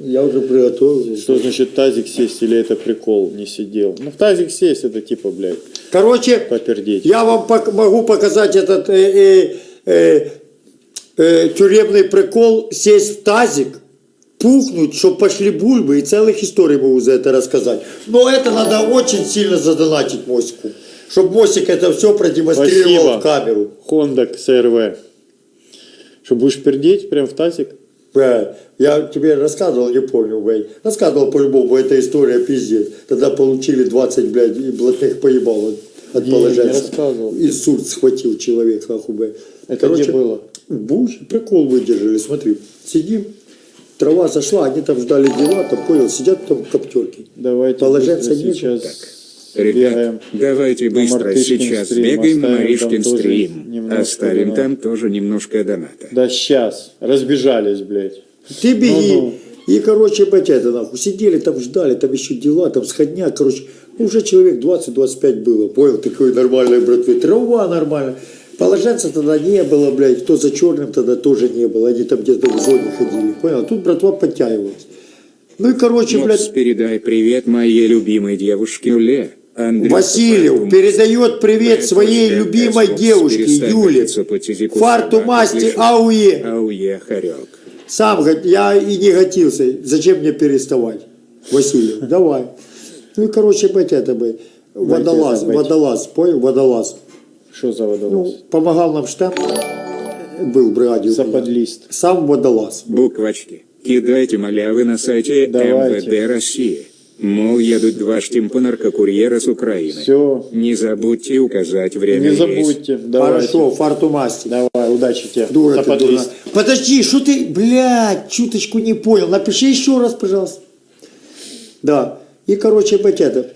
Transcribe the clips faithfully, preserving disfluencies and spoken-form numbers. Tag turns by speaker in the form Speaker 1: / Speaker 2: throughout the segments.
Speaker 1: Я уже приготовил.
Speaker 2: Что значит тазик сесть или это прикол? Не сидел. Ну, в тазик сесть это типа, блядь,
Speaker 1: Короче,
Speaker 2: попердеть.
Speaker 1: я вам пок- могу показать этот э, э, э, э, тюремный прикол. Сесть в тазик, пухнуть, чтобы пошли бульбы, и целых историй могу за это рассказать. Но это надо очень сильно задонатить Мосику. Чтобы Мосик это все продемонстрировал. Спасибо. В камеру.
Speaker 2: Honda си эр ви. Что, будешь пердеть прям в тазик?
Speaker 1: Я тебе рассказывал, не помню, блядь. Рассказывал по-любому, эта история пиздец. Тогда получили двадцать, блядь, и блатных поебал от, от положенца. Инсульт схватил человек, нахуй, блядь.
Speaker 2: Это
Speaker 1: Короче,
Speaker 2: где было?
Speaker 1: В Буше прикол выдержали, смотри. Сидим, трава зашла, они там ждали дела, там, понял, сидят там коптерки.
Speaker 2: Давайте
Speaker 1: положенца
Speaker 2: сейчас...
Speaker 3: Ребят, давайте быстро сейчас
Speaker 2: стрим,
Speaker 3: бегаем на Маришкин стрим. Оставим
Speaker 2: доната.
Speaker 3: там тоже немножко доната.
Speaker 2: Да сейчас. Разбежались, блядь.
Speaker 1: Ты беги.
Speaker 2: Ну-ну.
Speaker 1: И, короче, блядь, это нахуй. Сидели там, ждали, там еще дела, там сходня, короче. Уже человек двадцать-двадцать пять было. Понял, такой нормальный, братвы. Трава нормально. Положенца тогда не было, блядь. Кто за черным тогда тоже не было. Они там где-то в зоне ходили. Понял? Тут братва подтягивалась. Ну и, короче,
Speaker 3: Мопс,
Speaker 1: блядь.
Speaker 3: передай привет моей любимой девушке Юле. Андрюха,
Speaker 1: Васильев передает привет своей любимой девушке Юле. Фарту масти ауе.
Speaker 3: Ауе, хорек.
Speaker 1: Сам говорит, я и не готился. Зачем мне переставать? Васильев, давай. Ну и, короче, блядь, это, блядь, водолаз, водолаз, понял, водолаз.
Speaker 2: Что за водолаз?
Speaker 1: Ну, помогал нам штаб, был в бригаде.
Speaker 2: Западлист.
Speaker 1: Сам водолаз.
Speaker 3: Буквочки. Кидайте малявы на сайте
Speaker 2: Давайте.
Speaker 3: эм вэ дэ России. Мол, едут два штимпа-наркокурьера с Украины.
Speaker 2: Все.
Speaker 3: Не забудьте указать время.
Speaker 2: Не забудьте. Давайте.
Speaker 1: Хорошо, фарту масти.
Speaker 2: Давай, удачи тебе.
Speaker 1: Дура ты, дура.
Speaker 2: Западлист.
Speaker 1: Подожди, что ты, блядь, чуточку не понял. Напиши еще раз, пожалуйста. Да. И, короче, блядь, это.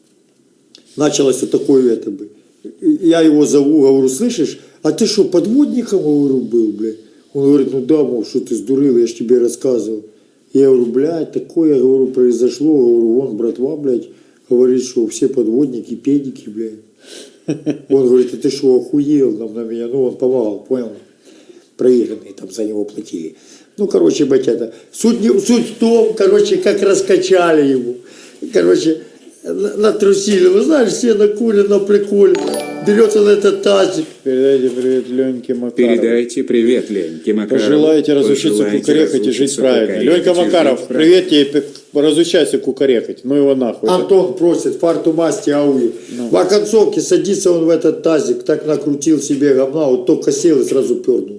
Speaker 1: Началось вот такое это бы. Я его зову, говорю, слышишь, а ты что, подводником, говорю, был, блядь? Он говорит, ну да, мол, что ты сдурил, я ж тебе рассказывал. Я говорю, блядь, такое, я говорю, произошло, говорю, вон, братва, блядь, говорит, что все подводники, педики, блядь. Он говорит, а ты что, охуел нам на меня? Ну, он помогал, понял? Проигранные там за него платили. Ну, короче, блядь, это. Суть, не, суть в том, короче, как раскачали его. Короче, натрусили. Вы знаешь, все на куле, на приколе. Берется на этот тазик.
Speaker 2: Передайте привет Леньке Макарову.
Speaker 3: Передайте привет Леньке Макарову.
Speaker 2: Пожелайте разучиться кукарекать и жить правильно. Ленька Макаров, привет тебе, разучайся кукарекать. Ну его нахуй.
Speaker 1: Антон просит, фарту масти ауи.
Speaker 2: Ну.
Speaker 1: В оконцовке садится он в этот тазик, так накрутил себе говна, вот только сел и сразу пернул.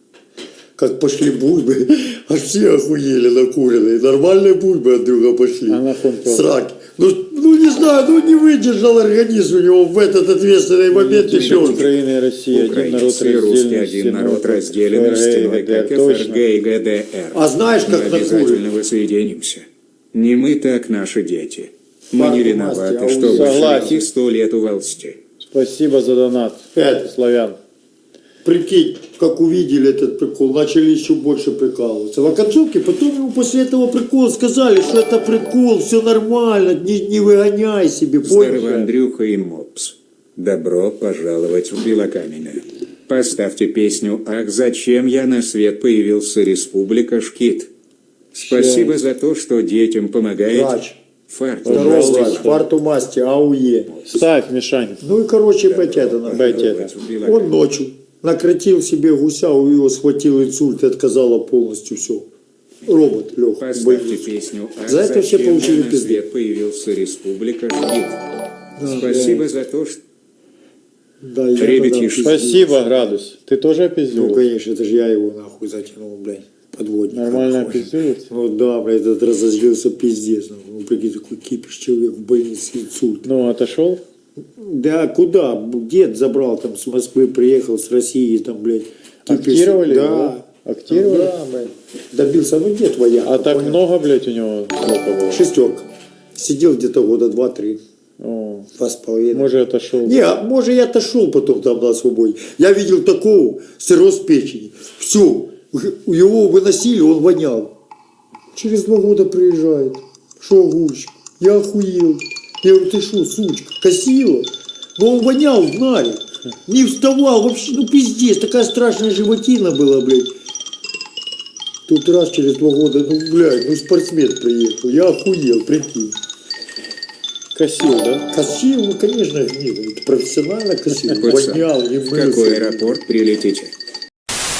Speaker 1: Как пошли бульбы, аж все охуели накуренные. Нормальные бульбы от друга пошли.
Speaker 2: А нахуй пернул?
Speaker 1: Сраки. Ну, ну не знаю, ну не выдержал организм у него в этот ответственный момент и все.
Speaker 2: Украина и Россия, один народ
Speaker 3: Украинцы и русские,
Speaker 2: разделенный,
Speaker 3: один народ разделенный
Speaker 2: ФРГ,
Speaker 3: стеной, как эф эр гэ и гэ дэ эр.
Speaker 1: А знаешь, как
Speaker 3: Мы
Speaker 1: накурен?
Speaker 3: обязательно воссоединимся. Не мы, так наши дети. Мы
Speaker 1: Фарту
Speaker 3: не
Speaker 1: масти,
Speaker 3: виноваты,
Speaker 1: а
Speaker 3: что
Speaker 1: у-
Speaker 3: вы
Speaker 2: Согласен.
Speaker 3: живете сто лет у власти.
Speaker 2: Спасибо за донат.
Speaker 1: Это.
Speaker 2: Славян.
Speaker 1: Прикинь, как увидели этот прикол, начали еще больше прикалываться. В оконцовке потом ему после этого прикола сказали, что это прикол, все нормально, не, не выгоняй себе,
Speaker 3: Здорово,
Speaker 1: понял?
Speaker 3: Андрюха и Мопс. Добро пожаловать в Белокаменное. Поставьте песню «Ах, зачем я на свет появился, Республика Шкит». Спасибо
Speaker 2: Щас.
Speaker 3: за то, что детям помогаете.
Speaker 1: Врач.
Speaker 3: Фарту
Speaker 1: Здорово,
Speaker 3: масти.
Speaker 1: врач, фарту масти, ауе.
Speaker 2: Ставь, Мишань.
Speaker 1: Ну и, короче, блядь, это нахуй.
Speaker 2: Бать это.
Speaker 3: В Белокаменное.
Speaker 1: Он ночью накрутил себе гуся, у него схватил инсульт и отказало полностью все. Робот лег.
Speaker 3: Поставьте песню «Ах,
Speaker 1: За это все
Speaker 3: зачем
Speaker 1: получили
Speaker 3: я на
Speaker 1: пизды.
Speaker 3: свет появился, Республика Шкит». Спасибо за то, что...
Speaker 1: Да, я
Speaker 3: Ребятишки.
Speaker 1: тогда пиздец.
Speaker 2: Спасибо, Градус. Ты тоже
Speaker 1: Ну,
Speaker 2: опиздил?
Speaker 1: конечно, это же я его нахуй затянул, блядь, подводник.
Speaker 2: Нормально
Speaker 1: Нахуй.
Speaker 2: опиздует?
Speaker 1: Ну да, блядь, этот разозлился пиздец. нахуй. Ну, прикинь, такой кипиш, человек в больнице, инсульт.
Speaker 2: Ну, отошел?
Speaker 1: Да, куда? Дед забрал там с Москвы, приехал с России, там, блядь. кипиш.
Speaker 2: Актировали
Speaker 1: Да.
Speaker 2: его? Актировали?
Speaker 1: Да, блядь. Добился, ну дед вояк.
Speaker 2: А так
Speaker 1: понял?
Speaker 2: много, блядь, у него сколько было?
Speaker 1: Шестерка. Сидел где-то года два-три.
Speaker 2: О,
Speaker 1: Два с половиной.
Speaker 2: может, отошел.
Speaker 1: Не, а может я отошел потом там на свободе. Я видел такого, сыроз печени. Все, его выносили, он вонял. Через два года приезжает. Шо, огурчик? Я охуел. Я говорю, ты что, сучка, косила? Но он вонял в наре. Не вставал, вообще, ну пиздец, такая страшная животина была, блядь. Тут раз через два года, ну, блядь, ну спортсмен приехал. Я охуел, прикинь.
Speaker 2: Косил, да?
Speaker 1: Косил, ну, конечно, нет, профессионально косил.
Speaker 3: Пацан,
Speaker 1: Вонял, не
Speaker 3: в
Speaker 1: мылся.
Speaker 3: какой аэропорт прилетите?